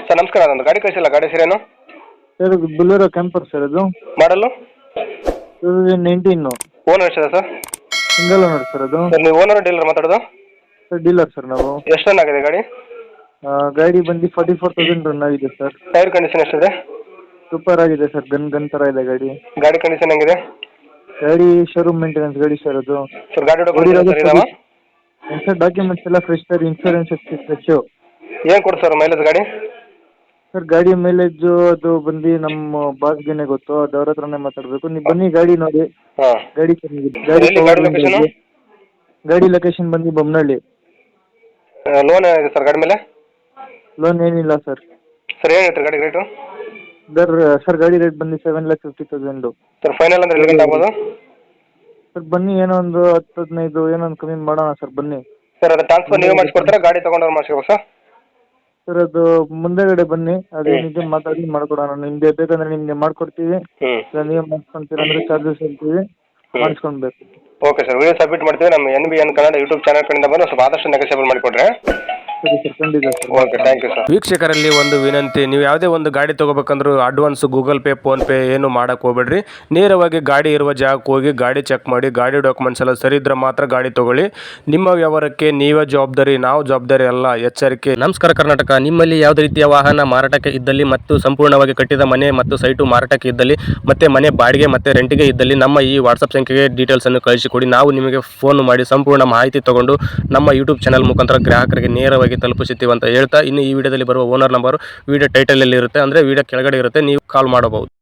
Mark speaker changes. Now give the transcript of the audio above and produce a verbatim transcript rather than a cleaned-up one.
Speaker 1: Sir ನಮಸ್ಕಾರ, ಅದೊಂದು ಗಾಡಿ ಕಳಿಸಿಲ್ಲ, ಗಾಡಿ ಹೆಸರೇನು?
Speaker 2: ಸರ್ ಇದು ಬುಲೆರೋ ಕ್ಯಾಂಪರ್ ಸರ್ ಅದು
Speaker 1: ಮಾಡಲು
Speaker 2: ಟೂ ತೌಸಂಡ್ ನೈನ್ಟೀನು.
Speaker 1: ಓನರ್ ಎಷ್ಟಿದೆ ಸರ್?
Speaker 2: ಸಿಂಗಲ್ ಓನರ್ ಸರ್ ಅದು.
Speaker 1: ಸರ್ ನೀವು ಓನರ್ ಡೀಲರ್ ಮಾತಾಡೋದು?
Speaker 2: ಸರ್ ಡೀಲರ್ ಸರ್ ನಾವು.
Speaker 1: ಎಷ್ಟು ರನ್ ಆಗಿದೆ ಗಾಡಿ?
Speaker 2: ಆ, ಗಾಡಿ ಬಂದು ಫಾರ್ಟಿ ಫೋರ್ ತೌಸಂಡ್ ರನ್ ಆಗಿದೆ ಸರ್.
Speaker 1: ಟೈರ್ ಕಂಡೀಷನ್ ಎಷ್ಟಿದೆ?
Speaker 2: ಸೂಪರ್ ಆಗಿದೆ ಸರ್, ಗನ್ ಗನ್ ಥರ ಇದೆ ಗಾಡಿ.
Speaker 1: ಗಾಡಿ ಕಂಡೀಷನ್ ಹೆಂಗಿದೆ?
Speaker 2: ಗಾಡಿ ಶೋರೂಮ್ ಮೇಂಟೆನೆನ್ಸ್ ಗಾಡಿ ಸರ್ ಅದು.
Speaker 1: ಸರ್ ಗಾಡಿ ಡಾಕ್ಯುಮೆಂಟ್ಸ್ ಇದಾವ?
Speaker 2: ಸರ್ ಡಾಕ್ಯುಮೆಂಟ್ಸ್ ಎಲ್ಲ ಫ್ರೆಶ್ ಸರ್, ಇನ್ಶೂರೆನ್ಸ್ ಫ್ರೆಶು.
Speaker 1: ಏನು ಕೊಡು ಸರ್ ಮೈಲೇಜ್ ಗಾಡಿ?
Speaker 2: ಸರ್ ಗಾಡಿ ಮೈಲೇಜು ಅದು ಬಂದು ನಮ್ಮ ಬಾಸ್ಗೆನೆ ಗೊತ್ತು, ಅದು ಅವ್ರ ಹತ್ರನೇ ಮಾತಾಡಬೇಕು. ನೀವು ಬನ್ನಿ ಗಾಡಿ ನೋಡಿ.
Speaker 1: ಹಾಂ.
Speaker 2: ಗಾಡಿ ಚೆನ್ನಾಗಿದೆ. ಗಾಡಿ
Speaker 1: ಎಲ್ಲಿ ಗಾಡಿ ಲೊಕೇಶನು?
Speaker 2: ಗಾಡಿ ಲೊಕೇಶನ್ ಬಂದು ಬೊಮ್ಮನಹಳ್ಳಿ.
Speaker 1: ಲೋನ್ ಏನಿದೆ ಸರ್ ಗಾಡಿ ಮೇಲೆ?
Speaker 2: ಲೋನ್ ಏನಿಲ್ಲ ಸರ್.
Speaker 1: ಸರ್ ಏನು ಹೇಳ್ತೀರಿ ಗಾಡಿ ರೇಟು?
Speaker 2: ಸರ್ ಸರ್ ಗಾಡಿ ರೇಟ್ ಬಂದು seven lakh fifty thousand.
Speaker 1: Sir final ಅಂದ್ರೆ ಎಲ್ಲಿ ಗಂಟೆ ಆಗ್ಬೋದು?
Speaker 2: ಸರ್ ಬನ್ನಿ, ಏನೋ ಒಂದು ಹತ್ತು ಹದಿನೈದು ಏನೋ ಒಂದು ಕಮ್ಮಿ ಮಾಡೋಣ ಸರ್, ಬನ್ನಿ.
Speaker 1: ಸರ್ ಅದು ಟ್ರಾನ್ಸ್ಫರ್ ನೀವೇ ಮಾಡಿಸ್ಕೊಡ್ತೀರಾ, ಗಾಡಿ ತೊಗೊಂಡವ್ರು ಮಾಡಿಸ್ಕೋಬೇಕು ಸರ್?
Speaker 2: ಸರ್ ಅದು ಮುಂದೆಗಡೆ ಬನ್ನಿ, ಅದೇನಿದೆ ಮಾತಾಡಿ ಮಾಡ್ಕೊಡೋಣ. ನಿಮಗೆ ಬೇಕಂದ್ರೆ ನಿಮಗೆ ಮಾಡ್ಕೊಡ್ತೀವಿ,
Speaker 1: ಹ್ಞೂ.
Speaker 2: ಇಲ್ಲ ನೀವೇ ಮಾಡಿಸ್ಕೊಂತೀರ ಅಂದರೆ ಚಾರ್ಜಸ್ ಹೇಳ್ತೀವಿ, ಮಾಡಿಸ್ಕೊಳ್ಬೇಕು.
Speaker 1: ಓಕೆ ಸರ್, ವಿಡಿಯೋ ಸಬ್ಮಿಟ್ ಮಾಡ್ತೀವಿ. ನಮ್ಮ N B N Kannada YouTube channel ಕಡೆಯಿಂದ ಬಂದು ಸ್ವಲ್ಪ ಆದಷ್ಟು ನೆಗೋಸಿಯೇಬಲ್ ಮಾಡಿಕೊಡ್ರೆ.
Speaker 2: ಸರಿ ಸರ್, ಖಂಡಿತ sir.
Speaker 1: Okay, thank you sir.
Speaker 3: ವೀಕ್ಷಕರಲ್ಲಿ ಒಂದು ವಿನಂತಿ, ನೀವು ಯಾವುದೇ ಒಂದು ಗಾಡಿ ತೊಗೋಬೇಕಂದ್ರೂ advance Google Pay PhonePe ಏನು ಮಾಡೋಕೆ ಹೋಗ್ಬೇಡ್ರಿ. ನೇರವಾಗಿ ಗಾಡಿ ಇರುವ ಜಾಗಕ್ಕೆ ಹೋಗಿ ಗಾಡಿ ಚೆಕ್ ಮಾಡಿ, ಗಾಡಿ ಡಾಕ್ಯುಮೆಂಟ್ಸ್ ಎಲ್ಲ ಸರಿ ಇದ್ರೆ ಮಾತ್ರ ಗಾಡಿ ತೊಗೊಳ್ಳಿ. ನಿಮ್ಮ ವ್ಯವಹಾರಕ್ಕೆ ನೀವೇ ಜವಾಬ್ದಾರಿ, ನಾವು ಜವಾಬ್ದಾರಿ ಅಲ್ಲ, ಎಚ್ಚರಿಕೆ. ನಮಸ್ಕಾರ ಕರ್ನಾಟಕ. ನಿಮ್ಮಲ್ಲಿ ಯಾವುದೇ ರೀತಿಯ ವಾಹನ ಮಾರಾಟಕ್ಕೆ ಇದ್ದಲ್ಲಿ ಮತ್ತು ಸಂಪೂರ್ಣವಾಗಿ ಕಟ್ಟಿದ ಮನೆ ಮತ್ತು ಸೈಟು ಮಾರಾಟಕ್ಕೆ ಇದ್ದಲ್ಲಿ ಮತ್ತು ಮನೆ ಬಾಡಿಗೆ ಮತ್ತು ರೆಂಟಿಗೆ ಇದ್ದಲ್ಲಿ ನಮ್ಮ ಈ ವಾಟ್ಸಪ್ ಸಂಖ್ಯೆಗೆ ಡೀಟೇಲ್ಸನ್ನು ಕಳಿಸಿಕೊಡಿ. ನಾವು ನಿಮಗೆ ಫೋನ್ ಮಾಡಿ ಸಂಪೂರ್ಣ ಮಾಹಿತಿ ತಗೊಂಡು ನಮ್ಮ ಯೂಟ್ಯೂಬ್ ಚಾನಲ್ ಮುಖಾಂತರ ಗ್ರಾಹಕರಿಗೆ ನೇರವಾಗಿ ತಲುಪಿಸುತ್ತೀವಿ ಅಂತ ಹೇಳ್ತಾ, ಇನ್ನು ಈ ವಿಡಿಯೋದಲ್ಲಿ ಬರುವ ಓನರ್ ನಂಬರ್ ವಿಡಿಯೋ ಟೈಟಲಲ್ಲಿ ಇರುತ್ತೆ, ಅಂದರೆ ವಿಡಿಯೋ ಕೆಳಗಡೆ ಇರುತ್ತೆ, ನೀವು ಕಾಲ್ ಮಾಡಬಹುದು.